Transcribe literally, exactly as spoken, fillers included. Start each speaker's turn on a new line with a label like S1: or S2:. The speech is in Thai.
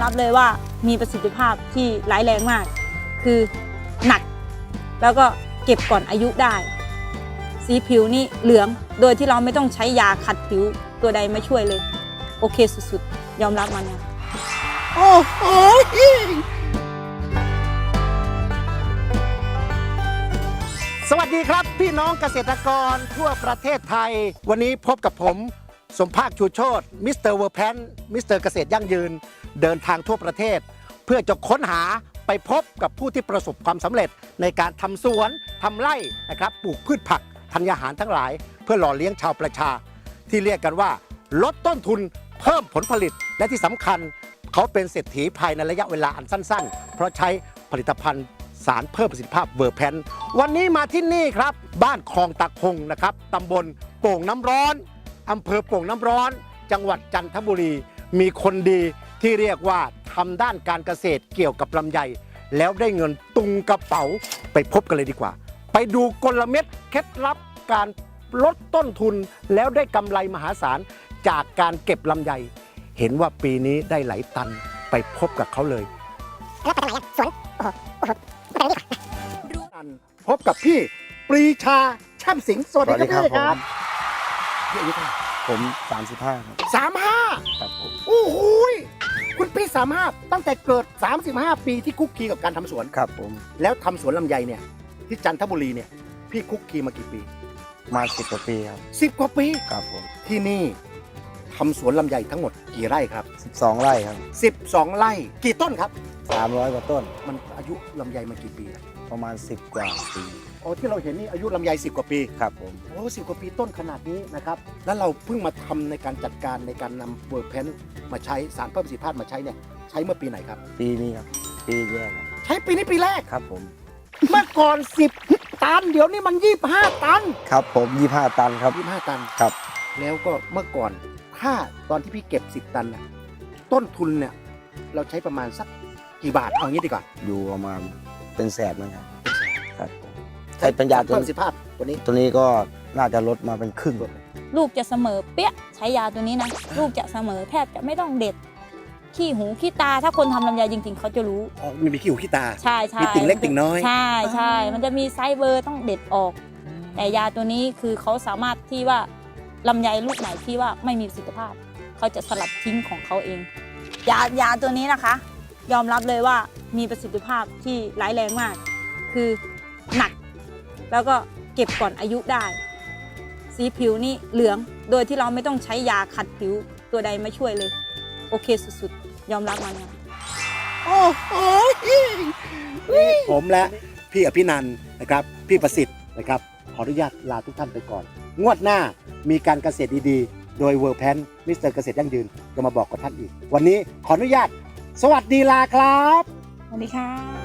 S1: รับเลยว่ามีประสิทธิภาพที่ร้ายแรงมากคือหนักแล้วก็เก็บก่อนอายุได้สีผิวนี่เหลืองโดยที่เราไม่ต้องใช้ยาขัดผิวตัวใดมาช่วยเลยโอเคสุดๆยอมรับมันนะ
S2: โอ้โหสวัสดีครับพี่น้องเกษตรกรทั่วประเทศไทยวันนี้พบกับผมสมภาคชูโชติมิสเตอร์เวอร์แพนมิสเตอร์เกษตรยั่งยืนเดินทางทั่วประเทศเพื่อจะค้นหาไปพบกับผู้ที่ประสบความสำเร็จในการทำสวนทำไร่นะครับปลูกพืชผักธัญญาหารทั้งหลายเพื่อหล่อเลี้ยงชาวประชาที่เรียกกันว่าลดต้นทุนเพิ่มผลผลิตและที่สำคัญเขาเป็นเศรษฐีภายในระยะเวลาอันสั้นๆเพราะใช้ผลิตภัณฑ์สารเพิ่มประสิทธิภาพเวอร์แพนวันนี้มาที่นี่ครับบ้านคลองตะคงนะครับตำบลโป่งน้ำร้อนอำเภอโป่งน้ำร้อนจังหวัดจันทบุรีมีคนดีที่เรียกว่าทำด้านการเกษตรเกี่ยวกับลำไยแล้วได้เงินตุงกระเป๋าไปพบกันเลยดีกว่าไปดูกลเม็ดเคล็ดลับการลดต้นทุนแล้วได้กำไรมหาศาลจากการเก็บลำไยเห็นว่าปีนี้ได้หลายตันไปพบกับเขาเลยแล้วไปทำไมอ่ะสวนโอ้โหโอ้โหไปไหนดีกว่าพบกับพี่ปรีชาช่ำสิงห์สวัสดีครับพี่ครับพี่อายุเท่าไหร่
S3: ผมสามสิบห้าครับ
S2: สามห้า
S3: ครับผม
S2: โอ้โหคุณพี่สามห้าตั้งแต่เกิดสามสิบห้าปีที่คุกคีกับการทำสวน
S3: ครับผม
S2: แล้วทำสวนลำไยเนี่ยที่จันทบุรีเนี่ยพี่คุกคีมากี่ปี
S3: มาสิบกว่าปีครับ
S2: สิบกว่าปี
S3: ครับผม
S2: ที่นี่ทำสวนลำไยทั้งหมดกี่ไร่ครับ
S3: สิบสองไร่ครับ
S2: สิบสองไร่กี่ต้นครับ
S3: สามร้อยกว่าต้น
S2: มันอายุลำไยมากี่ปี
S3: ประมาณสิบกว่าปี
S2: อ๋อที่เราเห็นนี่อายุลำไยสิบกว่าปี
S3: ครับผม
S2: โอ้สิบกว่าปีต้นขนาดนี้นะครับแล้วเราเพิ่งมาทำในการจัดการในการนำเวอร์แพนมาใช้สารเพิ่มประสิทธิภาพมาใช้เนี่ยใช้เมื่อปีไหนครับ
S3: ปีนี้ครับปีแรกครับ
S2: ใช้ปีนี้ปีแรก
S3: ครับผม
S2: เมื่อก่อนสิบตันเดี๋ยวนี้มันยี่สิบห้าตัน
S3: ครับผมยี่สิบห้าตันครับ
S2: ยี่สิบห้าตัน
S3: ครับ
S2: แล้วก็เมื่อก่อนถ้าตอนที่พี่เก็บสิบตันน่ะต้นทุนเนี่ยเราใช้ประมาณสักกี่บาทเอางี้ดีกว่า
S3: อยู่ประมาณเป็นแสนนะครับครับใช้ปัญญาตัว
S2: เพิ่มประสิทธิภาพตัวนี้
S3: ตัวนี้ก็น่าจะลดมาเป็นครึ่ง
S1: ลูกจะเสมอเปี้ยใช้ยาตัวนี้นะลูกจะเสมอแทบจะไม่ต้องเด็ดขี้หูขี้ตาถ้าคนทำลำไยจริงๆเขาจะรู้
S2: อ๋อมีขี้หูขี้ตา
S1: ใช่ใช่
S2: มีติ่งเล็กติ่งน้อย
S1: ใช่ใช่มันจะมีไซส์เบอร์ต้องเด็ดออกแต่ยาตัวนี้คือเขาสามารถที่ว่าลำไยลูกไหนที่ว่าไม่มีประสิทธิภาพเขาจะสลัดทิ้งของเขาเองยายาตัวนี้นะคะยอมรับเลยว่ามีประสิทธิภาพที่ร้ายแรงมากคือหนักแล้วก็เก็บก่อนอายุได้สีผิวนี่เหลืองโดยที่เราไม่ต้องใช้ยาขัดผิวตัวใดมาช่วยเลยโอเคสุดๆยอมรับมันนะ
S2: โอ้โหผมและพี่อภินันท์นะครับพี่ประสิทธิ์นะครับขออนุญาตลาทุกท่านไปก่อนงวดหน้ามีการเกษตรดีๆโดยเวอร์แพนมิสเตอร์เกษตรยั่งยืนจะมาบอกกับท่านอีกวันนี้ขออนุญาตสวัสดีลาครับ
S1: สวัสดีค่ะ